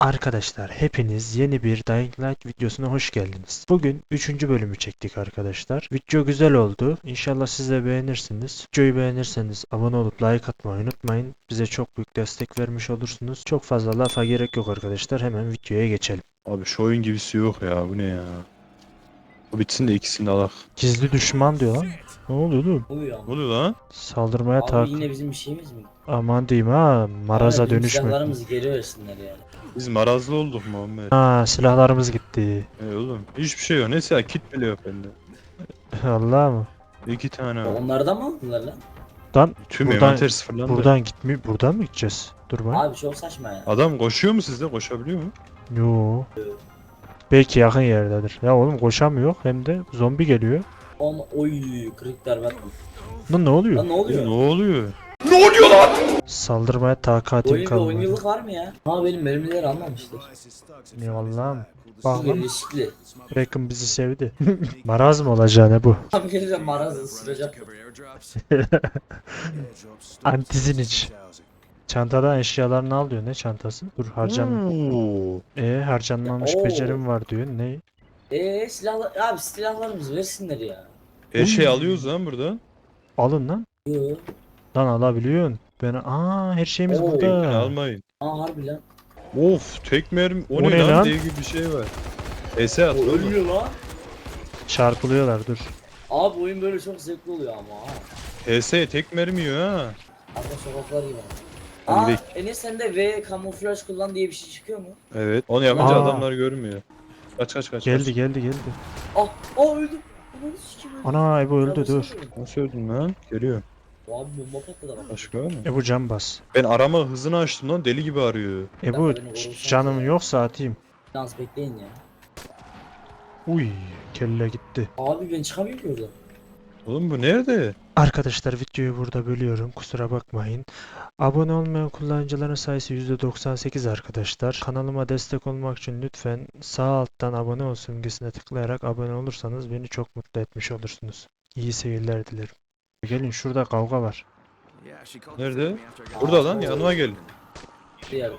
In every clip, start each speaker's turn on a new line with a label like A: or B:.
A: Arkadaşlar hepiniz yeni bir Dying Light videosuna hoş geldiniz. Bugün 3. bölümü çektik arkadaşlar. Video güzel oldu. İnşallah siz de beğenirsiniz. Videoyu beğenirseniz abone olup like atmayı unutmayın. Bize çok büyük destek vermiş olursunuz. Çok fazla lafa gerek yok arkadaşlar. Hemen videoya geçelim.
B: Abi şu oyun gibisi yok ya, bu ne ya? Bu bitsin de ikisini de alak.
A: Gizli düşman diyor lan. Ne oluyor oğlum?
C: Oluyor
B: Ne
C: ama.
B: oluyor lan?
A: Saldırmaya
C: Abi
A: tak.
C: yine bizim bir şeyimiz mi?
A: Aman diyeyim ha. Maraza
C: Bizim
A: dönüşmek.
C: silahlarımızı geri versinler yani.
B: Biz marazlı olduk Muhammed.
A: Ha, silahlarımız gitti.
B: Oğlum hiçbir şey yok. Neyse ya, kit bile yok bende.
A: Allah mı?
B: 2 tane
C: Ya
B: var.
C: onlardan mı aldılar lan?
A: Lan
B: Tüm
A: buradan,
B: envanter sıfırlandı.
A: buradan mı gideceğiz? Dur bak.
C: Abi çok saçma ya.
B: Adam koşuyor mu sizde? Koşabiliyor mu?
A: Yo. Belki yakın yerdedir. Ya oğlum koşamıyor hem de zombi geliyor.
C: Oy kırık darbe.
A: Lan ne oluyor?
C: Lan ne oluyor?
B: Ne oluyor?
A: Saldırmaya takatim
C: Oyun bir
A: kalmadı.
C: oyunculuk var mı ya? Ha benim mermileri almamıştır.
A: Ne Allah'ım. Bak
C: Bu
A: lan
C: riskli.
A: Reckon bizi sevdi. Maraz mı olacağı ne bu?
C: Abi geleceğim marazı ısıracak.
A: Antizin iç. Çantadan eşyalarını al diyor. Ne çantası? Dur
B: Oo.
A: harcanmamış
C: Oo.
A: becerim var diyor. Ne?
C: Silahlar abi silahlarımızı versinler ya.
B: Her şey alıyoruz lan buradan.
A: Alın lan.
C: Yo.
A: Lan alabiliyorsun. Her şeyimiz
C: Oo.
B: Tekini
A: burada.
B: almayın.
C: Aa harbi lan.
B: Of, tek mermi. O,
A: O
B: ne
A: ne lan?
B: lan? Dev gibi bir şey var. Ese at
C: O
B: oğlum.
C: ölmüyor lan.
A: Çarpılıyorlar dur.
C: Abi oyun böyle çok zevkli oluyor ama ha.
B: HS tek mermi yiyor ha.
C: Arka sokaklar gibi.
B: Hadi
C: Aa
B: gidelim.
C: Enes sende V kamuflaj kullan diye bir şey çıkıyor mu?
B: Evet. Onu yapınca
A: Aa.
B: adamlar görmüyor. Kaç.
A: Geldi.
C: Öldüm. Ananı sikeyim öldüm.
A: Ana Ebu öldü
C: Ya
A: dur.
C: nasıl öldüm?
B: Nasıl öldün lan? Geliyor.
C: Abi bomba patladı bak.
B: Başka var mı?
A: Ebu can bas.
B: Ben arama hızını açtım lan, deli gibi arıyor.
A: Ebu
C: beni vurursan
A: canım
C: ya.
A: yoksa atayım.
C: Dans bekleyin ya.
A: Uy kelle gitti.
C: Abi ben çıkamıyorum ki oradan.
B: Oğlum bu nerede?
A: Arkadaşlar videoyu burada bölüyorum. Kusura bakmayın. Abone olmayan kullanıcıların sayısı %98 arkadaşlar. Kanalıma destek olmak için lütfen sağ alttan abone ol simgesine tıklayarak abone olursanız beni çok mutlu etmiş olursunuz. İyi seyirler dilerim. Gelin şurada kavga var.
B: Nerede? Burada lan, yanıma gel.
C: Bir yerde.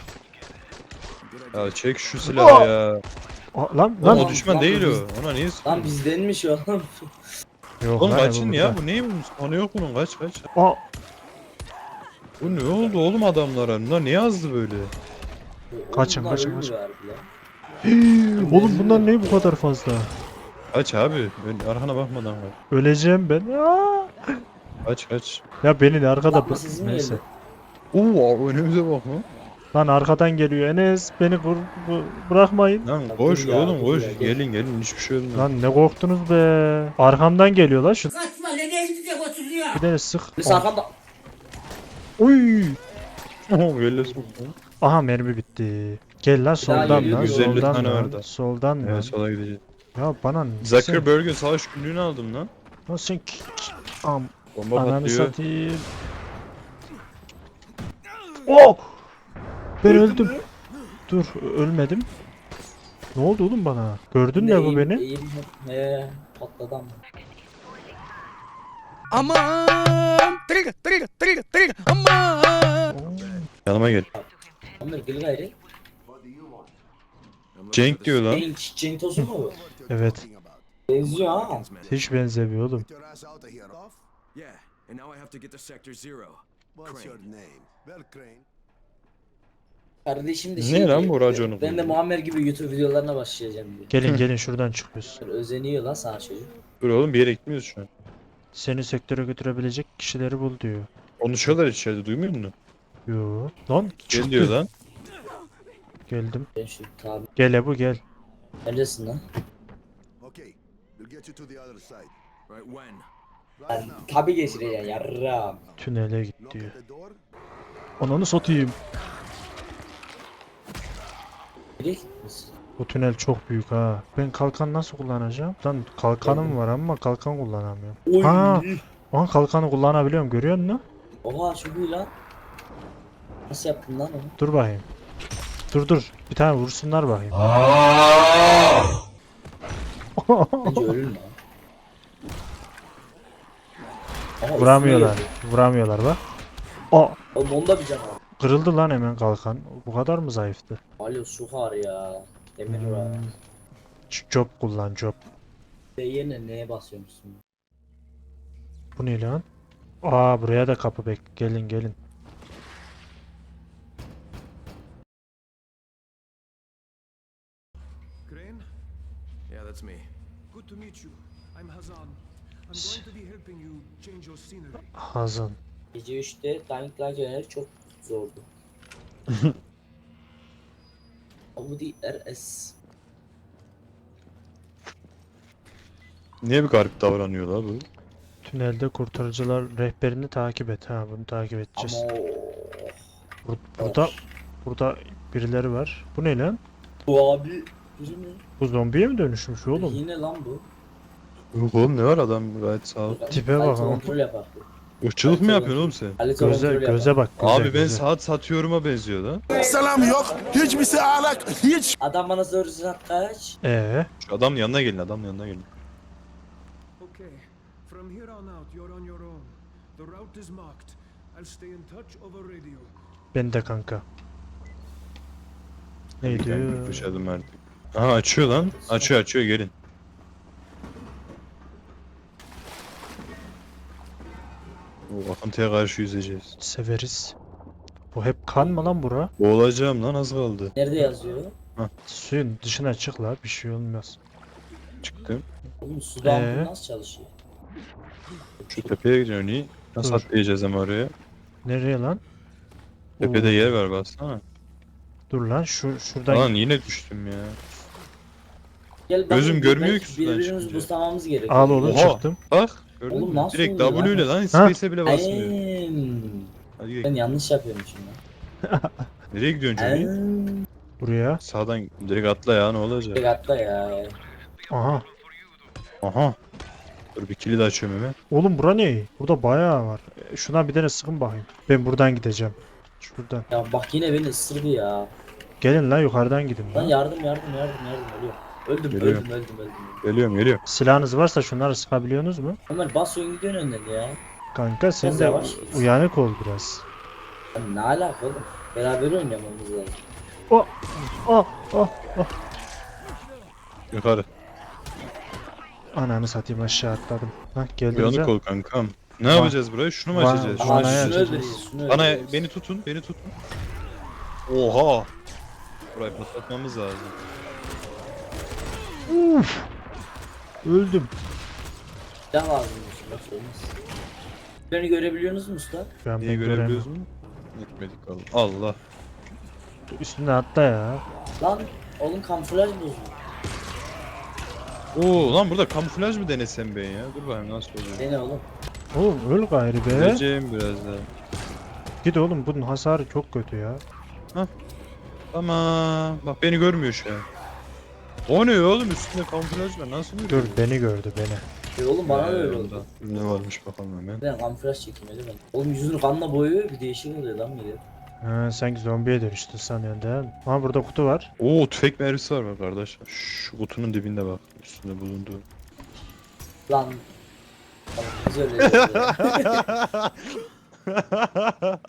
B: Ya çek şu silahı ya.
A: Lan
B: Lan
C: Lan
B: o düşman
C: lan
B: değil
C: biz-
B: o. Ona niye
C: Lan
B: sıkıyorsun?
C: bizdenmiş o.
A: yok
B: Oğlum
A: lan
B: kaçın
A: Ebu
B: ya,
A: burada.
B: bu ne bu? Sonu yok bunun, kaç.
A: Aa,
B: Bu ne oldu oğlum adamlara? Bunlar niye azdı böyle?
A: Kaçın,
C: Bunlar
A: kaçın,
C: ölmüyor
A: kaçın.
C: harbi lan.
A: oğlum bunlar ne bu kadar fazla?
B: Kaç abi. Ben arkana bakmadan kaç.
A: Öleceğim ben.
B: Kaç.
A: Ya beni de arkada
C: Yapma sizin mi
A: neyse.
C: geldi?
B: Oo, önümüze bak lan.
A: Lan arkadan geliyor Enes beni bırakmayın.
B: Lan
C: Ya
B: koş
C: dur ya,
B: oğlum
C: dur
B: koş.
C: ya, gel.
B: Gelin hiçbir şey olmuyor.
A: Lan ne korktunuz be. Arkamdan geliyor lan şu.
D: Kaçma nereye gidecek o çocuğu ya?
A: Bir tane sık.
C: Biz arkamda.
A: Uy.
B: Böyle soktu.
A: Aha mermi bitti. Gel lan soldan
C: geliyor,
A: lan
B: 150
A: soldan
B: tane
A: lan.
B: vardı.
A: Soldan lan.
B: Evet, sola gideceğiz.
A: Ya bana
B: Zuckerberg'in savaş günlüğünü aldım lan.
A: sen
B: Bomba
A: ananı
B: patlıyor.
A: satayım. Oh! Ben öldüm. Dur ölmedim. Ne oldu oğlum bana? Gördün mü bu beni?
C: Patladı ama.
D: Aman! Trigger! Aman!
B: Yanıma gel.
C: Onlar gül gayri.
B: Cenk diyor lan.
C: Cenk tozu mu bu?
A: Evet.
C: Benziyor ha.
A: Hiç benzemiyor oğlum.
E: Yeah, and now I have to get to Sector Zero.
F: What's your
E: Crane.
F: name? Well, Crane.
C: Kardeşim de
B: Ne
C: şey
B: lan
C: diyor,
B: bu raconu
C: ben de
B: kurdu?
C: Muammer gibi YouTube videolarına başlayacağım diyor.
A: Gelin şuradan çıkıyoruz.
C: Böyle özeniyor lan sana çocuk.
B: Dur oğlum, bir yere gitmiyoruz şu an.
A: Seni sektöre götürebilecek kişileri bul diyor.
B: Konuşuyorlar içeride, duymuyor musun?
A: Yo. Lan
B: Gel diyor
A: çıktı.
B: lan.
A: Geldim.
C: Ben şu tabi.
A: Gel Ebu gel.
C: Neredesin lan?
F: Okay, we'll get you to the other side.
E: Right when?
F: Right now.
C: Tabi geçireceğim yarram.
A: Tünele git
F: Knock
A: diyor.
F: at the door.
A: Ananı satayım.
C: Nereye gitmişsin?
A: Bu tünel çok büyük ha. Ben kalkan nasıl kullanacağım? Lan kalkanım var ama kalkan kullanamıyorum.
C: Oy.
A: Ha. Aha kalkanı kullanabiliyorum görüyor musun?
C: Oha çok iyi lan. Nasıl yaptın lan onu?
A: Dur bakayım. Dur. Bir tane vursunlar bakayım.
C: Bence ölür mü? Aha,
A: Vuramıyorlar.
C: üstüne
A: Vuramıyorlar bak. Aa.
C: geldi. Oğlum onda bir can var.
A: Kırıldı lan hemen kalkan. Bu kadar mı zayıftı?
C: Balyoz çok ağır ya. Demir var.
A: Job kullan job.
C: Ve yerine neye basıyormuşsun?
A: Bu ne lan? Aa buraya da kapı bek. Gelin gelin.
E: Crane? Yeah, that's me. Good to meet you. I'm Hazan. I'm going to be helping you change your scenery.
A: Hazan.
C: Gece 3'te Dying Light oynamak çok zordu. Audi RS.
B: Niye bir garip davranıyor la bu?
A: Tünelde kurtarıcılar rehberini takip et. Ha bunu takip
C: Ama
A: edeceğiz.
C: o
A: Burada birileri var. Bu ne lan?
C: bu abi biri mi?
A: Bu zombiye mi dönüşmüş oğlum?
C: Yine lan bu.
B: Yok oğlum ne var adam gayet sağ ol.
A: Tipe bak
C: Kalite
A: ama.
C: kontrol yapar.
B: Irkçılık mı yapıyorsun oğlum sen?
C: Kalite kontrol yapar.
A: Göze bak göze.
B: Abi ben
A: göze.
B: saat satıyorum'a benziyor lan.
F: Selam yok. Hiçbir şey alak. Hiç.
C: Adam bana sorusu kaç?
B: Şu adamın yanına gelin, adamın yanına gelin.
E: Okay. From here on out, you're on your own. The route is marked. I'll stay in touch over radio.
A: Ben de kanka. Ne diyor?
B: Düşedim artık. Aha açıyor lan. Açıyor gelin. O akıntıya karşı yüzeceğiz.
A: Severiz. Bu hep kan mı lan bura?
B: Boğulacağım lan az kaldı.
C: Nerede yazıyor?
A: Suyun dışına çık la bir şey olmaz.
B: Çıktım.
C: Oğlum sudan
A: Ee?
C: bu nasıl çalışıyor?
B: Şu tepeye gidiyor ni. Nasıl
A: Dur.
B: atlayacağız ama oraya?
A: Nereye lan?
B: Tepede
A: Oo,
B: yer var baksana.
A: Dur lan şuradan
B: Lan yine düştüm ya.
C: Gel bakayım,
B: Gözüm görmüyor
C: belki
B: ki sudan
C: birbirimizi
B: çıkınca.
C: buslamamız gerekiyor.
A: al oğlum
B: Oha.
A: çıktım.
B: Bak. Gördün
C: Oğlum
B: mü?
C: nasıl
B: Direkt
C: oluyor
B: W ile
C: lan?
B: lan space'e bile basmıyor. Hadi
C: Ben
B: gel.
C: yanlış yapıyorum şimdi.
B: Nereye gidiyorsun Johnny?
A: Buraya.
B: Sağdan direkt atla ya ne olacak?
C: Tek atla ya.
A: Aha.
B: Aha. Dur bir kilit açıyorum hemen.
A: Oğlum bura ne? Burada bayağı var. Şuna bir tane sıkın bakayım. Ben buradan gideceğim. Şuradan.
C: Ya bak yine beni ısırdı ya.
A: Gelin lan yukarıdan gidin
C: Lan
A: lan.
C: yardım ölüyorum. Öldüm
B: Geliyorum.
C: öldüm.
B: Geliyorum.
A: Silahınız varsa şunları sıkabiliyorsunuz mu?
C: Ömer bas oyun gidiyorsun önden ya.
A: Kanka sen
C: Biraz
A: de
C: yavaş git.
A: uyanık ol biraz.
C: Lan ne alaka oğlum? Beraber oynamamız lazım.
A: Oh oh oh.
B: Yukarı.
A: Ananı satayım aşağı atladım. Hah geldim.
B: Uyanık ol kankam. Ne yapacağız burayı? Şunu mu
A: Va-
B: açacağız?
A: va-
B: Şunu
A: Bana
C: Aa, şunu
B: açacağız.
A: yapacağız.
C: öldüreceğiz. Şunu
B: Bana
C: öldüreceğiz.
B: beni tutun. Oha. Burayı patlatmamız lazım.
A: Öldüm.
C: Silah lazımmış. Nasıl olmaz? Beni görebiliyorsunuz mu usta?
A: Ben
B: Neyi
A: ben göremiyorum.
B: görebiliyoruz mu? Etmedik Allah.
A: Üstüne atla ya.
C: Lan oğlum kamuflaj bozuldu.
B: Oo lan burada kamuflaj mı denesem ben ya? Dur bakayım nasıl oluyor.
C: Dene oğlum.
A: Oğlum öl gayrı be.
B: Göreceğim biraz daha.
A: Git oğlum bunun hasarı çok kötü ya.
B: Tamam. Bak beni görmüyor şu an. O ne oğlum üstünde kamuflaj var nasıl
A: Dur
B: görüyor?
A: beni gördü beni.
C: Oğlum bana da öyle oldu.
B: Ne varmış bakalım hemen.
C: Ben kamuflaj çekeyim öyle ben. Oğlum yüzünü kanla boyuyor bir değişik oluyor lan bir de.
A: Ha, sanki zombiye dönüştü sanıyorsun değil mi? Ama burada kutu var.
B: Oo tüfek mermisi var bak kardeş. Şu kutunun dibinde bak. Üstünde bulunduğu.
C: Lan. Tamam biz öyle diyoruz ya.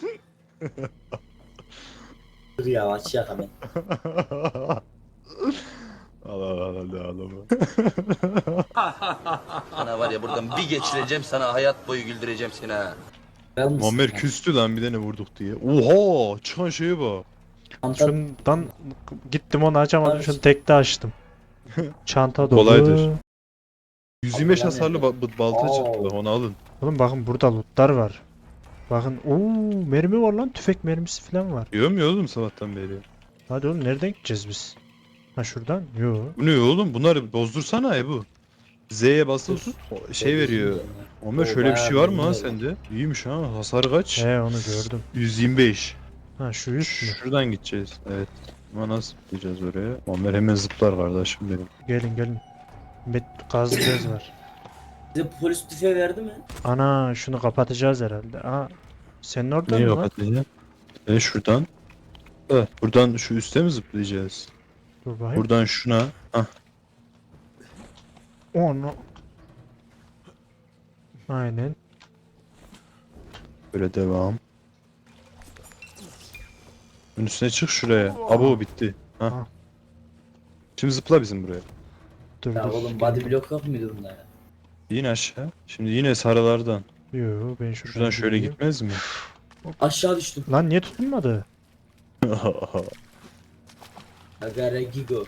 C: Dur ya açacak hemen.
B: Allah.
G: Ana var ya buradan bir geçireceğim sana hayat boyu güldüreceğim seni ha.
C: Ben
B: Muammer küstü lan bir tane vurduk diye. Oha çıkan şeye bak.
A: Şundan gittim onu açamadım. Şunu tekte açtım. Çanta dolu.
B: Kolaydır. 125
C: Allah'ım
B: hasarlı balta
C: Oo.
B: çıktı bak onu alın.
A: Oğlum bakın burada lootlar var. Bakın ooo mermi var lan tüfek mermisi falan var.
B: Diyorum ya oğlum sabahtan beri.
A: Hadi oğlum nereden gideceğiz biz? Ha şuradan? Yo.
B: Bu ne oğlum bunları bozdursana bu. Z'ye basılı tut şey veriyor. Muammer şöyle bir şey var mı lan sende? İyiymiş ha hasar kaç?
A: He onu gördüm.
B: 125.
A: Ha şu üst mü?
B: Şuradan gideceğiz. Evet. Ama nasıl gideceğiz oraya? Muammer hemen zıplar kardeşim benim.
A: Gelin. Gazlı bez var.
C: Bize polis tüfeği verdi mi?
A: Ana şunu kapatacağız herhalde. Aa senin orada
B: Neyi
A: mı lan?
B: kapatacağız? Şuradan. Evet, buradan şu üste mi zıplayacağız?
A: Dur bakayım.
B: Buradan şuna. Hah.
A: Onu. Aynen.
B: Böyle devam. Bunun üstüne çık şuraya. Abo bitti. Ha.
A: Ha.
B: Şimdi zıpla bizim buraya.
A: Dur
C: Ya
A: dur.
C: oğlum body block yok muydu bunda ya?
B: Yine aşağı. Şimdi yine sarılardan.
A: Yo ben
B: Şuradan şöyle
A: gideyim.
B: gitmez mi?
C: Aşağı düştüm.
A: Lan niye tutunmadı?
C: Agara gigo.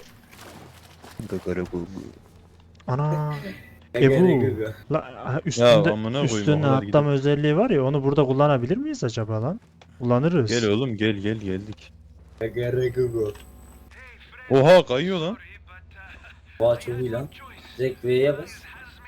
A: Ana.
C: Agara
A: bu.
C: gigo.
A: La, üstünde,
B: amına koyayım, o
A: üstüne
B: kadar
A: atlama özelliği var ya onu burada kullanabilir miyiz acaba lan? Kullanırız.
B: Gel oğlum gel geldik.
C: Agara gigo.
B: Oha kayıyor lan.
C: Vay çok iyi lan. Direkt V'ye bas.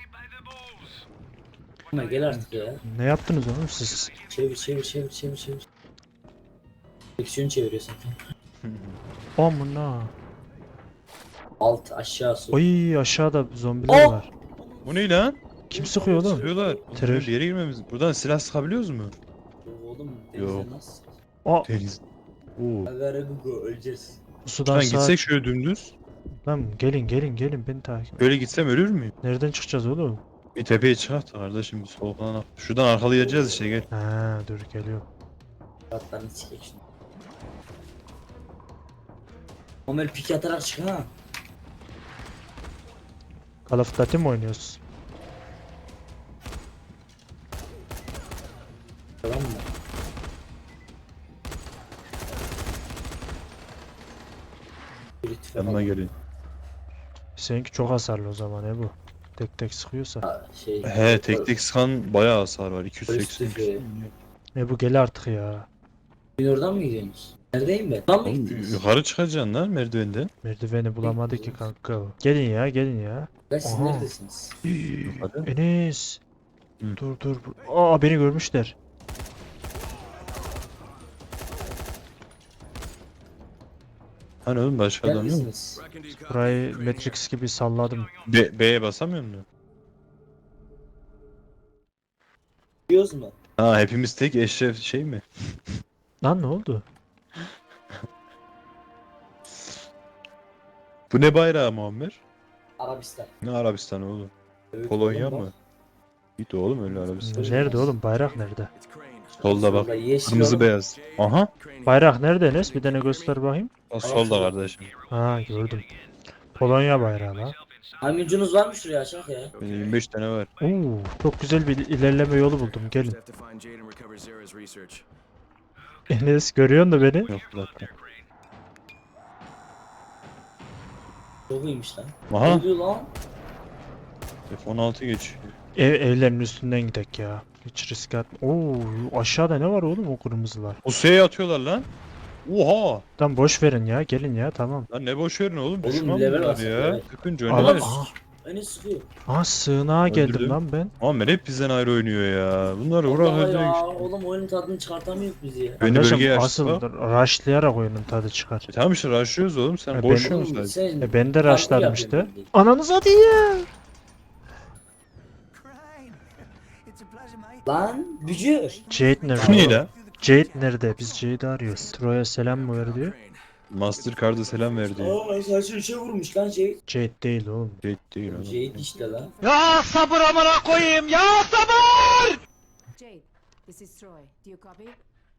C: Ama gel artık ya.
A: Ne yaptınız oğlum siz?
C: Çevir. Direksiyonu çeviriyorsun.
A: Amına.
C: Alt aşağı sol.
A: Oy aşağıda zombiler
C: Oh!
A: var.
B: Bu ne lan?
A: Kim sıkıyor oğlum?
B: Sıkıyorlar.
A: Terör.
B: Bir yere girmemiz. Buradan silah sıkabiliyoruz mu?
C: Oğlum
B: Yok.
C: denizde nasıl?
A: Aa,
B: Deniz. Oo.
C: Agara gigo öleceğiz.
A: bu sudan
B: Lan
A: sağa...
B: gitsek şöyle dümdüz.
A: Lan gelin beni takip.
B: Böyle gitsem ölür müyüm?
A: Nereden çıkacağız oğlum?
B: Bir tepeye çıkart da kardeşim bir sol falan. Şuradan arkalayacağız işte gel.
A: Ha dur geliyor.
C: Atlarını sikek şimdi. Ömer pik atarak çık ha.
A: Call of Duty mi oynuyoruz?
C: Tamam mı? Bir ittifak
B: Yanıma
C: al.
B: gelin.
A: Seninki çok hasarlı o zaman bu. Tek tek sıkıyorsa.
C: Ha, şey.
B: He tek tek sıkan bayağı hasar var. 280.
C: Polis
A: Bu gel artık ya.
C: Gün oradan mı gidiyorsunuz? Neredeyim ben? Lan mı
B: Oğlum,
C: gittiniz?
B: yukarı çıkacaksın lan merdivenden.
A: Merdiveni bulamadı ki kanka o. Gelin ya.
C: Lan siz
A: Aha.
C: neredesiniz?
B: Yukarı.
A: Enes.
B: Hı.
A: Dur. Aa beni görmüşler.
B: Hani oğlum başka adam yok mu?
C: Neredesiniz?
A: Burayı Matrix gibi salladım.
B: B'ye basamıyor musun?
C: Gidiyoruz mu?
B: Ha hepimiz tek eşref şey mi?
A: Lan ne oldu?
B: Bu ne bayrağı Muammer?
C: Arabistan.
B: Ne Arabistan oğlum?
C: Evet,
B: Polonya
C: oğlum
B: mı?
C: bak.
B: Git oğlum öyle Arabistan.
A: Nerede oğlum? Bayrak nerede?
B: Solda bak.
C: Solda yeşil
B: Kırmızı
C: oğlum.
B: beyaz. Aha.
A: Bayrak nerede Enes? Bir tane göster bakayım.
B: Bak solda kardeşim.
A: Ha gördüm. Polonya bayrağı lan.
C: Maymuncunuz var mı şuraya aşağı ya?
B: Benim 25 tane var.
A: Oo, çok güzel bir ilerleme yolu buldum. Gelin. Enes görüyorsun da beni.
B: Yok bir dakika.
C: Çok iyiymiş lan. Ne
B: Aha.
C: oluyor lan?
B: F16 geçiyor.
A: Evlerin üstünden gidek ya. Hiç risk atma. Oo, aşağıda ne var oğlum o kırmızılar?
B: O S'ye atıyorlar lan. Oha.
A: Tamam boş verin ya. Gelin ya tamam.
B: Lan ne boş verin oğlum.
C: Oğlum,
B: Düşman
C: level
B: bunlar
C: basın,
B: ya.
C: level.
B: Sıkınca
A: Adam,
B: oynar.
C: Beni sıkıyor.
A: sığınağa geldim
B: Öldürdüm.
A: lan ben.
B: Muammer hep bizden ayrı oynuyor ya. Bunlar
C: Allah
B: uğraşacak.
C: ya. Oğlum oyunun tadını çıkartamıyoruz biz ya.
B: Beni
A: Kardeşim,
B: bölgeye
A: asıl
B: açtı.
A: rushlayarak oyunun tadı çıkar.
B: Tamam işte rushlıyoruz oğlum. Sen
A: E,
B: boş
A: ben-
B: yiyorsun sadece.
C: Sen
A: Ben de
C: farklı
A: rushlarım işte.
C: yapıyorsun.
A: Ananı satayım.
C: Lan bücür.
A: Jade
B: Bu
A: nerede?
B: ne lan?
A: Jade nerede? Biz Jade'i arıyoruz. Troy'a selam mı ver diyor.
B: Mastercard'a selam verdi.
C: Aa saçını şey vurmuş lan şey.
A: Jade değil oğlum.
B: Şey değil oğlum.
C: Şey işte lan.
H: Jade, this is Troy. Do you copy?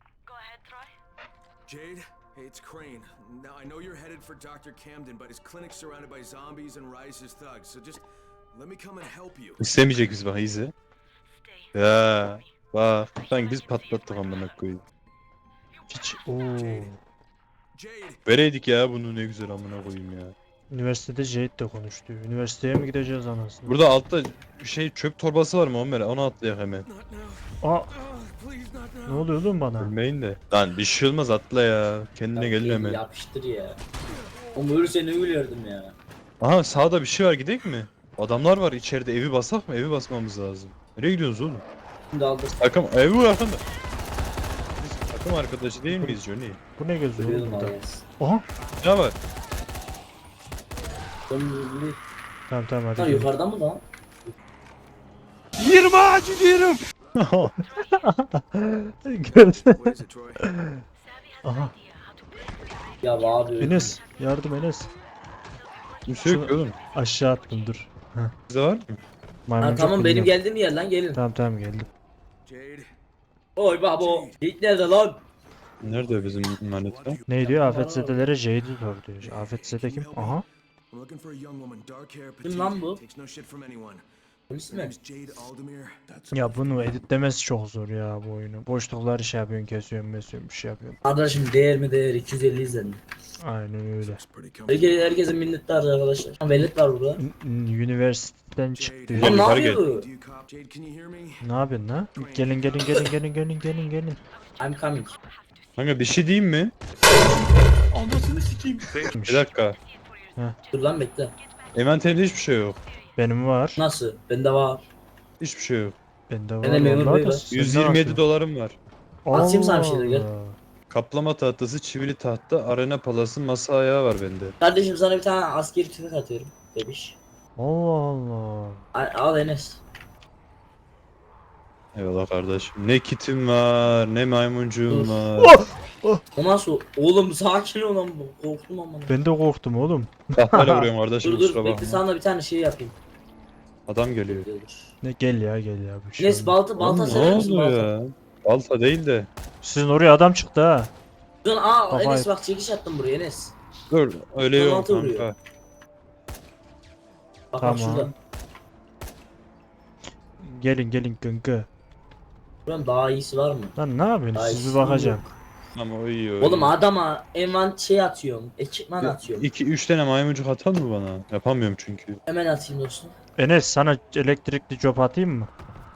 E: Jade, hey, it's Crane. Now, I know you're headed for Dr. Camden, but his clinic's surrounded by zombies and Rise's thugs, so just let me come and help you.
B: İstemeyecek biz bak izi. Ya bak sanki biz patlattık amına koyayım.
A: Hiç. Oo.
E: Jade,
B: Vereydik ya bunu ne güzel amına koyayım ya.
A: Üniversitede Jade de konuştu. Üniversiteye mi gideceğiz anasını?
B: Burada altta şey çöp torbası var mı Muammer? Onu atlayak hemen.
E: not now.
A: Aa,
E: Please, not now.
A: ne oluyor oğlum bana?
B: Ölmeyin de. Lan bir şey olmaz atla ya. Kendine gelin hemen.
C: Yapıştır ya. Oğlum ölürse ne ölürdüm ya.
B: Aha sağda bir şey var gidek mi? Adamlar var içeride evi basak mı? Evi basmamız lazım. Nereye gidiyorsunuz oğlum?
C: Şimdi aldım.
B: Takım evi bu arkanda. Biz takım arkadaşı değil miyiz Johnny?
A: Bu ne geziyor oğlum
C: Ölüyordum
A: burada?
C: Ayas.
A: Aha.
B: Ne var?
A: Tamam hadi.
C: Lan
A: gelin.
C: yukarıda mı lan?
F: 20 ağacı diyorum.
A: Gördün.
E: What is it, Troy?
A: Aha.
C: Ya abi.
A: Enes yardım Enes.
B: Kimse yok ki oğlum.
A: Aşağı attım dur.
B: Bizde var mı?
C: Ha,
A: Maymuncuk
C: tamam benim
A: buluyorum.
C: geldiğim yer lan gelin.
A: Tamam geldim.
E: Jade,
C: Oy babo. Git nerede lan?
B: Nerede bizim manita?
A: Ne diyor? Afetzedelere Jade'i sor diyor. Afetzede kim? Aha.
E: I'm looking for a young woman, dark hair,
C: Kim lan bu?
E: takes no shit from anyone.
C: Polis
E: Her
C: mi?
E: name's Jade Aldemir. That's
A: Ya bunu editlemesi çok zor ya bu oyunu. Boşlukları şey yapıyorsun, kesiyorsun, bir şey yapıyorsun.
C: Arkadaşım değer mi değer 250 izledim.
A: Aynen öyle.
E: pretty comfortable.
C: Herkesin minnettarız arkadaşlar. Ha velet var burada.
A: Üniversiteden çıktı.
C: Lan ne
B: yukarı
C: yapıyor bu?
E: Do you cop? Jade, can you hear me?
A: Ne yapıyorsun lan? Gelin.
C: I'm coming.
B: Kanka bir şey diyeyim mi? Bir dakika.
C: Dur lan bekle.
B: Envanterimde hiçbir şey yok.
A: Benim var.
C: Nasıl? Bende var.
B: Hiçbir şey yok.
A: Bende var.
C: Bende memur
A: vallahi
C: bey
A: da
C: var.
A: senden
B: 127
A: atıyor.
B: dolarım var.
C: Atayım sana bir
A: Allah
C: şeyler, gel.
A: Allah.
B: Kaplama tahtası, çivili tahta, arena palası, masa ayağı var bende.
C: Kardeşim sana bir tane askeri tüfek atıyorum. Demiş.
A: Allah Allah.
C: Al Enes.
B: Eyvallah kardeşim. Ne kitim var, ne maymuncuğum
C: Dur.
B: var.
C: O nasıl? Oğlum sakin ol lan bu. Korktum ama.
A: Ben de korktum oğlum.
B: Tahtayla vuruyorum kardeşim,
C: Dur dur
B: kusura
C: bekle
B: bakma.
C: sana bir tane şey yapayım.
B: Adam geliyor.
C: Dur.
A: Ne gel ya bir şey.
C: Enes
A: olmaz.
C: balta
B: Oğlum,
C: sever
B: ne
C: misin
B: oldu
C: balta?
B: ya? Balta değil de.
A: Sizin oraya adam çıktı ha.
C: Dur
A: Kafayı-
C: Enes bak çekiş attım buraya Enes.
B: Dur, öyle yok
C: Balta vuruyor.
B: kanka.
C: Bak
A: Tamam.
C: bak şurada.
A: Gelin gıngı.
C: Buranın daha iyisi var mı?
A: Lan ne yapıyorsun?
C: Daha
A: Sizi
C: iyisi
A: bakacağım.
B: Ama o iyi o
C: Oğlum
B: iyi.
C: adama şey atıyorum. Ekipman atıyorum.
B: 2-3 tane maymuncuk atar mı bana? Yapamıyorum çünkü.
C: Hemen atayım dostum.
A: Enes sana elektrikli cop atayım mı?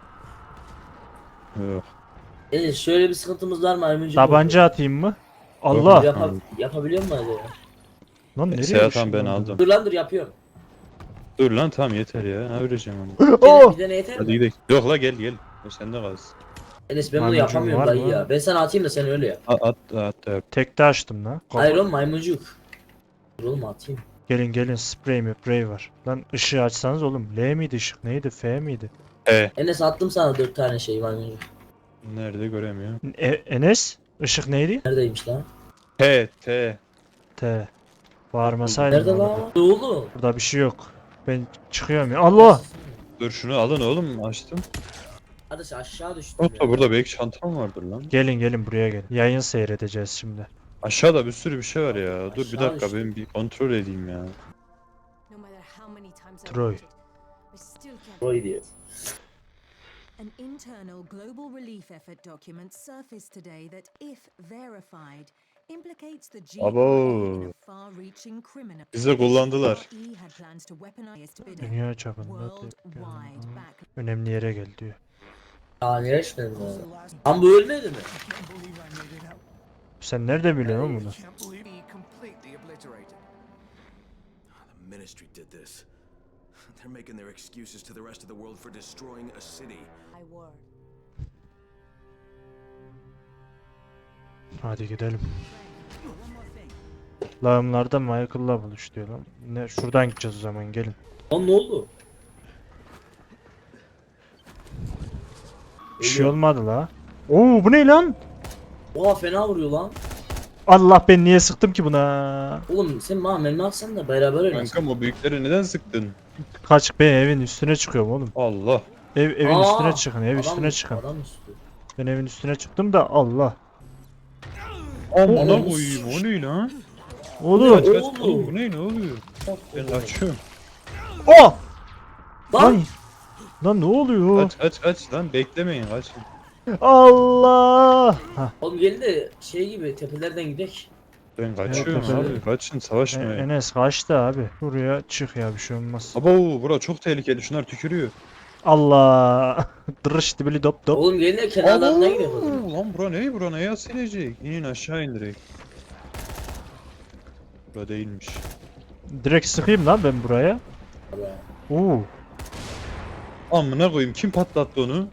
B: Yok.
C: Enes şöyle bir sıkıntımız var mı? Maymuncuk
A: Tabanca atayım mı? Allah.
C: Yapabiliyor mu acaba?
A: Lan nereye
B: Seyahat
A: düştün
B: ben
A: lan?
B: aldım.
C: Dur lan dur yapıyorum.
B: Dur lan tamam yeter ya. Ne vereceğim onu?
A: Oh!
C: Bir tane yeter
B: Hadi
C: mi?
B: gidelim. Yok la gel. O sende kalsın.
C: Enes ben bunu
A: Maymuncuk
C: yapamıyorum
A: var
C: dayı
A: mı?
C: ya. Ben sana atayım da sen öyle yap.
B: At.
A: Tekte açtım lan.
C: Hayır oğlum maymuncuk. Dur oğlum atayım.
A: Gelin sprey var. Lan ışığı açsanız oğlum. L miydi ışık neydi? F miydi?
C: Enes attım sana 4 tane şey maymuncuk.
B: Nerede göremiyorum.
A: Enes ışık neydi?
C: Neredeymiş lan?
B: T.
A: T. Bağırmasaydın.
C: Nerede
A: orada.
C: lan? Ne oldu?
A: Burada bir şey yok. Ben çıkıyorum ya. Allah!
B: Dur şunu alın oğlum açtım.
C: Hadi sen aşağı düştüm
B: Hatta
C: ya.
B: burada belki çantam vardır lan.
A: Gelin buraya gelin. Yayın seyredeceğiz şimdi.
B: Aşağıda bir sürü bir şey var ya. Dur bir
C: Aşağı
B: dakika
C: işte.
B: ben bir kontrol edeyim ya.
H: No matter how many times I
A: Troy.
H: wanted, I still can't.
C: Troy diyor.
H: An internal global relief effort document surfaced today that, if verified, implicates the GRE
B: Abo.
H: in a far-reaching criminal.
B: Bizi kullandılar.
H: GRE had plans to weaponize bidding
A: Dünya çapında
H: worldwide back.
A: önemli yere gel diyor.
C: Aa nereye düştün lan? Lan bu ölmedi mi?
A: Sen nerede biliyorsun oğlum bunu?
E: Completely obliterated. The ministry did this. They're making their excuses to the rest of the world for destroying a city.
H: I were.
A: Hadi gidelim. Lağımlarda Michael'la buluş diyor lan. Ne şuradan gideceğiz o zaman gelin.
C: Lan ne oldu?
A: Bir şey olmadı la. Oo bu ne lan?
C: Oha fena vuruyor lan.
A: Allah ben niye sıktım ki buna?
C: Oğlum sen bana mermi atsan da beraber oynasın.
B: Kankam o büyükleri neden sıktın?
A: Kaç ben evin üstüne çıkıyorum oğlum.
B: Allah.
A: Evin
C: Aa,
A: üstüne çıkın, ev üstüne çıkın.
C: Adam üstü.
A: Ben evin üstüne çıktım da Allah.
B: Amına koyayım o ne lan?
A: Oğlum.
B: Kaç
C: Oğlum.
B: oğlum bu ne oluyor? Ben kaçıyorum.
A: Oh!
C: Lan!
A: Lan! Lan ne oluyor?
B: Kaç lan beklemeyin kaçın.
A: Allah! Hah,
C: Oğlum gelin de şey gibi tepelerden gidek.
B: Ben kaçıyorum
A: Evet,
B: abi kaçın savaşmayın.
A: Enes kaçtı abi. Buraya çık ya bir şey olmaz.
B: Abo bura çok tehlikeli şunlar tükürüyor.
A: Allah! Dırış dibili dop dop.
C: Oğlum gelin de kenarlarına gidelim o zaman.
B: Lan bura neye silecek? İnin aşağı in direkt. Bura değilmiş.
A: Direkt sıkayım lan ben buraya. Oo.
B: Amına koyayım kim patlattı onu?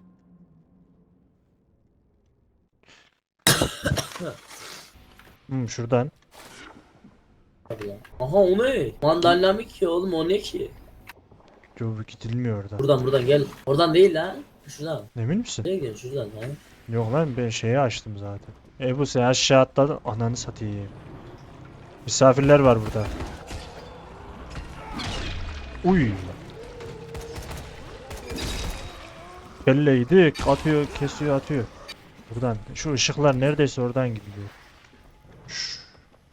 A: Şuradan.
C: Hadi lan. Aha o ne? Mandalinamik ya oğlum o ne ki?
A: Yo bu gidilmiyor oradan.
C: Buradan gel. Oradan değil lan. Şuradan.
A: Emin misin?
C: Nereye gidiyorsun şuradan ha?
A: Yok lan ben şeyi açtım zaten. Bu sen aşağı atladın. Ananı satayım. Misafirler var burada. Uy. Belleydik. Atıyor, kesiyor, atıyor. Buradan. Şu ışıklar neredeyse oradan gidiyor. Şşş.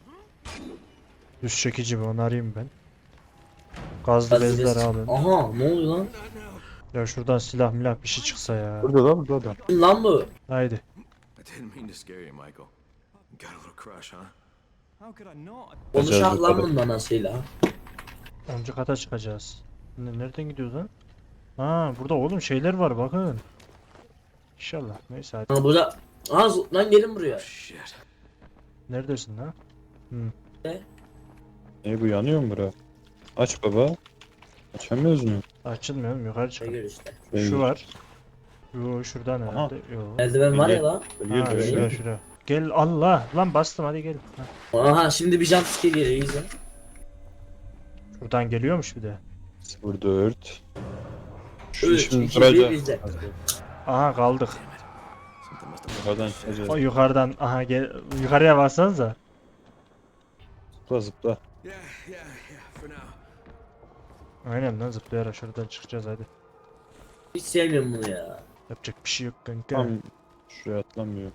A: Düz çekici mi? Onu arayayım ben. Gazlı bezler alın.
C: Aha ne oluyor lan?
A: Ya şuradan silah milah bir şey çıksa ya.
B: Burada da burada da.
C: Kim lan bu?
A: Haydi.
E: I didn't mean to scare you, Michael. Got a little crush, huh?
D: How could I not?
C: Konuşak lan bunun anasıyla.
A: 10. kata çıkacağız. Nereden gidiyoruz lan? Ha burada oğlum şeyler var bakın. İnşallah. Neyse hadi.
C: Ha burada. Aa lan gelin buraya.
E: Shit.
A: Neredesin lan?
B: Ne bu yanıyor mu bura? Aç baba. Açamıyoruz mu?
A: Açılmıyor oğlum yukarı
C: Ne
A: çık.
C: gör işte.
A: Şu var. Yo şuradan herhalde. Yo.
C: Eldiven var ya lan.
A: Ha şura şura. Gel Allah. Lan bastım hadi gel. Ha.
C: Aha şimdi bir jumpscare geliyor izle.
A: Şuradan geliyormuş bir de.
B: 04. Şu
C: 3,
B: işimizi
C: 2, 1
B: duracak.
C: izle.
A: Aha kaldık.
E: Something must have
B: Yukarıdan çıkacağız.
A: O yukarıdan aha gel yukarıya bassanıza.
B: Zıpla zıpla.
E: Yeah, yeah, for now.
A: Aynen lan zıplayarak şuradan çıkacağız hadi.
C: Hiç sevmiyorum bunu ya.
A: Yapacak bir şey yok kanka.
B: Tam şuraya atlamıyor.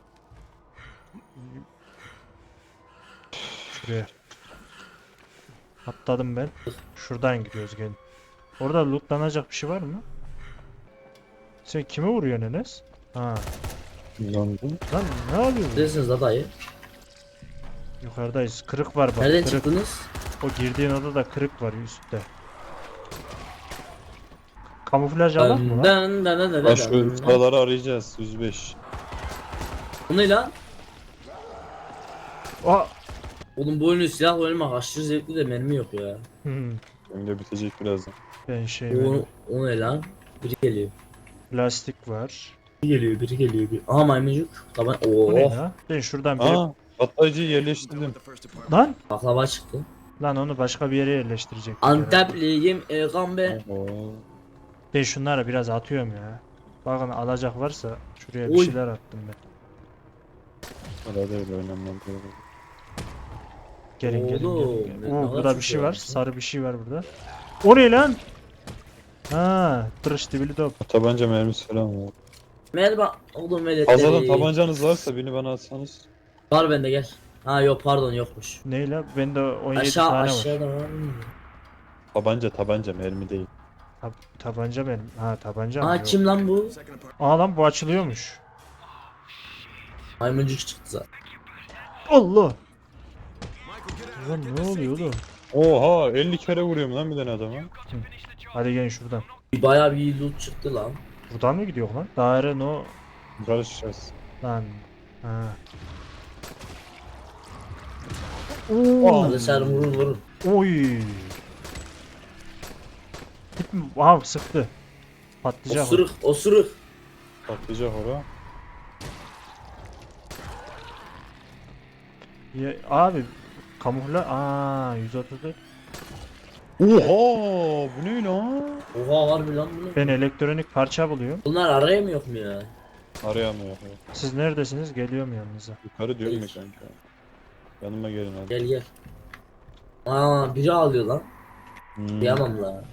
A: Şuraya. Atladım ben. Şuradan gidiyoruz gelin. Orada lootlanacak bir şey var mı? Sen kime vuruyorsun Enes? Ha.
B: Yandım.
A: Lan ne yapıyorsun?
C: Neredesiniz la dayı?
A: Yukarıdayız. Kırık var bak.
C: Nereden
A: Kırık.
C: çıktınız?
A: O girdiğin odada kırık var üstte. Kamuflaj alak mı lan?
B: Bak şu sıraları arayacağız. 105.
C: Bu ne lan?
A: Aa!
C: Oğlum bu oyunu silah oynamak aşırı zevkli de mermi yok ya.
B: Benim de bitecek birazdan.
A: Ben şey
C: O,
A: benim.
C: o ne lan? Biri geliyor.
A: Plastik var.
C: Biri geliyor. Aha maymuncuk. Taban.
A: Bu ne
C: Oo.
A: ya? Ben şuradan bir...
B: Aa, patlayıcıyı
E: Done
B: yerleştirdim.
E: with the first department.
A: Lan!
C: Baklava çıktı.
A: Lan onu başka bir yere yerleştirecek.
C: Antepliyim gambe.
B: Oo.
A: Ben şunları biraz atıyorum ya. Bakın alacak varsa şuraya bir
C: Oy.
A: şeyler attım ben.
B: Arada öyle oynanmam.
A: Gelin gelin
C: Oğlum,
A: gelin.
C: ne
A: Oo
C: kadar
A: burada bir
C: çok
A: şey
C: şey
A: var.
C: varmış lan.
A: Sarı bir şey var burada. O ne lan? Ha, tırış dibili top.
B: Tabanca mermisi falan var.
C: Merhaba oğlum veletleri.
B: Fazladan tabancanız varsa birini bana atsanız.
C: Var bende gel. Ha yok pardon yokmuş.
A: Neyle? Bende 17
C: Aşağı
A: tane var.
C: aşağıda var mı?
B: Tabanca mermi değil.
A: Tabanca benim. Ha tabanca mı?
C: Aa
A: Yok.
C: kim lan bu?
E: Second apartment.
A: Aa lan bu açılıyormuş.
C: Maymuncuk çıktı zaten.
A: Allah!
E: Michael, get out.
A: Lan ne oluyor oğlum?
B: Oha 50 kere vuruyorum lan bir tane adama.
A: Hadi gelin şuradan.
C: Bayağı bir loot çıktı lan.
A: Buradan mı gidiyor lan? Daire no.
B: Yukarı çıkacağız.
A: Lan. Ha.
C: Hadi sen vurun.
A: Oy. Git mi? Aha sıktı. Patlayacak. o.
C: Osuruk.
B: Patlayacak ora.
A: Ya, abi kamufla. Aa 134.
B: Oha bu ne lan?
C: Oha var mı lan bunu?
A: Ben elektronik parça buluyorum.
C: Bunlar araya mı yok mu ya?
B: Arayamıyor.
A: Siz neredesiniz? Geliyorum yanınıza.
B: Yukarı diyorum ya kanka. Yanıma gelin hadi.
C: Gel. Aa biri ağlıyor lan.
B: Hmm.
C: Yamam lan.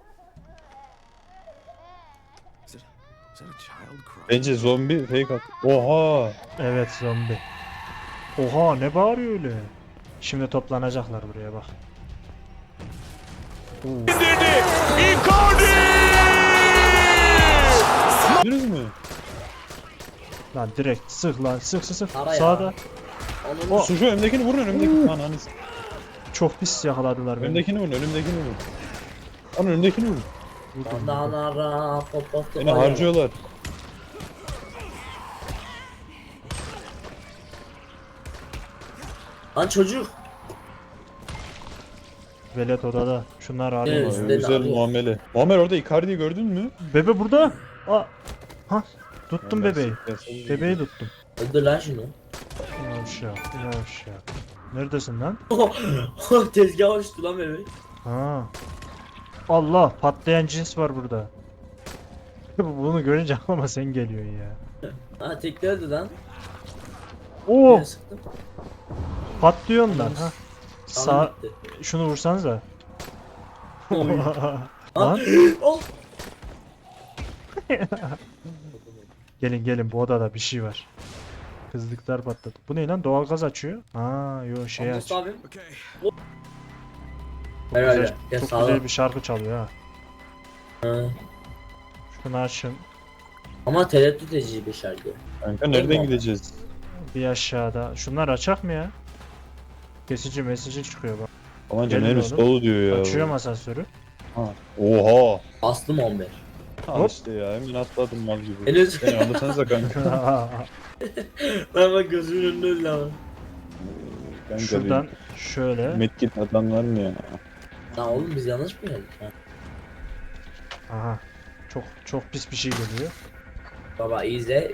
E: Is that a child crying?
B: Bence zombi fake at. Oha.
A: Evet zombi. Oha ne bağırıyor öyle? Şimdi toplanacaklar buraya bak.
B: Gördünüz mü?
A: Lan direkt sık lan sık.
C: Ara ya.
A: Sağda.
C: Onun
B: Şu önümdekini vurun önümdeki. Lan hani
A: Çok pis yakaladılar beni.
B: önümdekini vurun önümdekini vurun. Lan önümdekini vurun.
C: Bandanara popotu.
B: Beni harcıyorlar.
C: Lan çocuk.
A: Velet odada. Şunlar arıyor.
C: Evet.
B: Vay,
C: beni
B: güzel
C: arıyor.
B: muamele. Muammer orada Icardi'yi gördün mü?
A: Bebe burada. Aa. Ha. Tuttum
B: Muammer
A: bebeği.
B: siktir.
A: Bebeği tuttum.
C: Öldür lan şunu.
A: Yavşak. Neredesin lan?
C: Tezgah uçtu lan bebek.
A: Ha. Allah patlayan cins var burada. Bunu görünce aklıma sen geliyorsun ya.
C: Ha tekli öldü lan.
A: Oo
C: Ben sıktım.
A: patlıyorsun lan ha. Sağ
C: Sağ. Gitti.
A: şunu vursanıza.
C: Oy.
A: Lan
C: Oh.
A: gelin bu odada bir şey var. Kızlıklar patladı. Bu ne lan? Doğalgaz açıyor. Aa yo şey aç.
C: Anlasın abim.
E: Okay.
A: Çok
C: Herhalde.
A: güzel,
C: Ya
A: çok
C: sağlam.
A: güzel bir şarkı çalıyor ha.
C: Ha.
A: Şunu açın.
C: Ama tereddüt edici bir şarkı.
B: Kanka nereden gideceğiz?
A: Bir aşağıda. Şunlar açak mı ya? Kesici mesajı çıkıyor bak.
B: Amanca
A: Gelin
B: mermisi
A: oğlum.
B: dolu diyor ya.
A: Açıyorum asansörü.
B: Ha. Oha.
C: Bastım 11.
B: Al
A: Hop.
B: işte ya hemen atladım mal gibi.
C: Henüz.
B: Beni alırsanıza kanka.
C: Ben bak gözümün önünde öldü ama.
B: Kanka
A: Şuradan şöyle.
B: bir medkit adam var mı ya?
C: Lan oğlum biz yanlış mı geldik? Ha.
A: Aha. Çok pis bir şey geliyor.
C: Baba izle.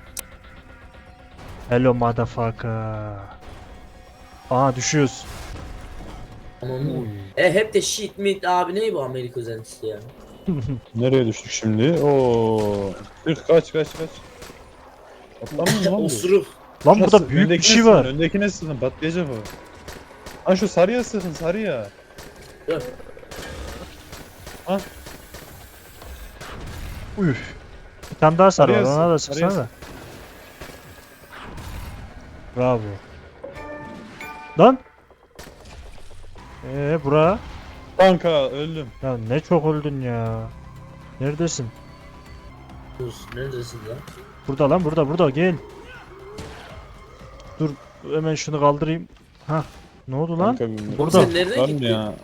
A: Hello motherfucker. Aa düşüyoruz.
C: Aman. Hep de shit meat abi ne bu Amerika özentisi ya.
B: Nereye düştük şimdi? Oo. Kaç. Atlamıyor mu lan bu?
C: Osuruk.
A: Lan
B: Nasıl?
A: burada büyük bir
B: Öndekine
A: şey
B: sıkın,
A: var.
B: Öndekine sıkın patlayacak o. Ha şu sarıya sıkın sarıya.
C: Dur.
A: Üf. Bir tane daha sarı var.
B: Sarıya
A: Ona da
B: sık,
A: sıksana
B: sarıya
A: da. Bravo. Lan. Bura.
B: Kanka öldüm.
A: Ya ne çok öldün ya. Neredesin?
C: Dur. Neredesin lan?
A: Burada lan burada gel. Dur hemen şunu kaldırayım. Ha. Ne oldu lan?
B: Kanka bir
A: Burada.
C: Sen nereden
B: var mı
C: gittin?
B: ya?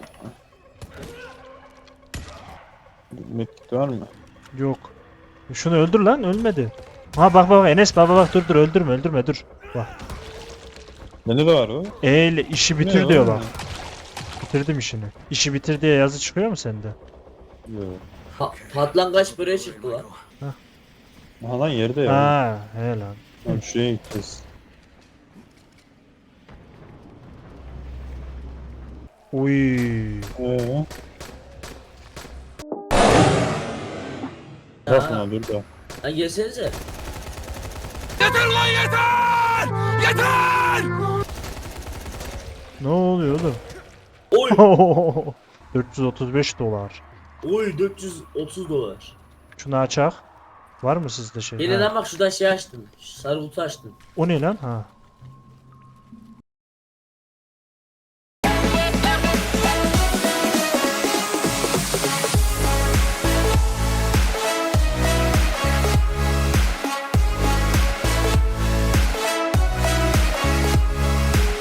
B: Medkit var mı?
A: Yok. Şunu öldür lan ölmedi. Ha bak Enes bak dur öldürme dur. Bak.
B: Bende de var o.
A: Ile işi
B: Ne
A: bitir
B: ya?
A: diyor bak. Bitirdim işini. İşi bitir diye yazı çıkıyor mu sende?
B: Yok.
C: Patlangaç böreği çıktı lan.
B: Aha lan yerde ya.
A: Ha he lan.
B: Tamam şuraya gideceğiz.
A: Uy.
B: Bakma dur da.
C: Lan gelsenize.
A: Ne oluyor oğlum?
C: Oy.
A: 435 dolar.
C: Oy 430 dolar.
A: Şunu açak. Var mı sizde şey?
C: Gelin
A: Ha.
C: lan bak şuradan şey açtım. Sarı kutu açtım.
A: O ne lan? Ha.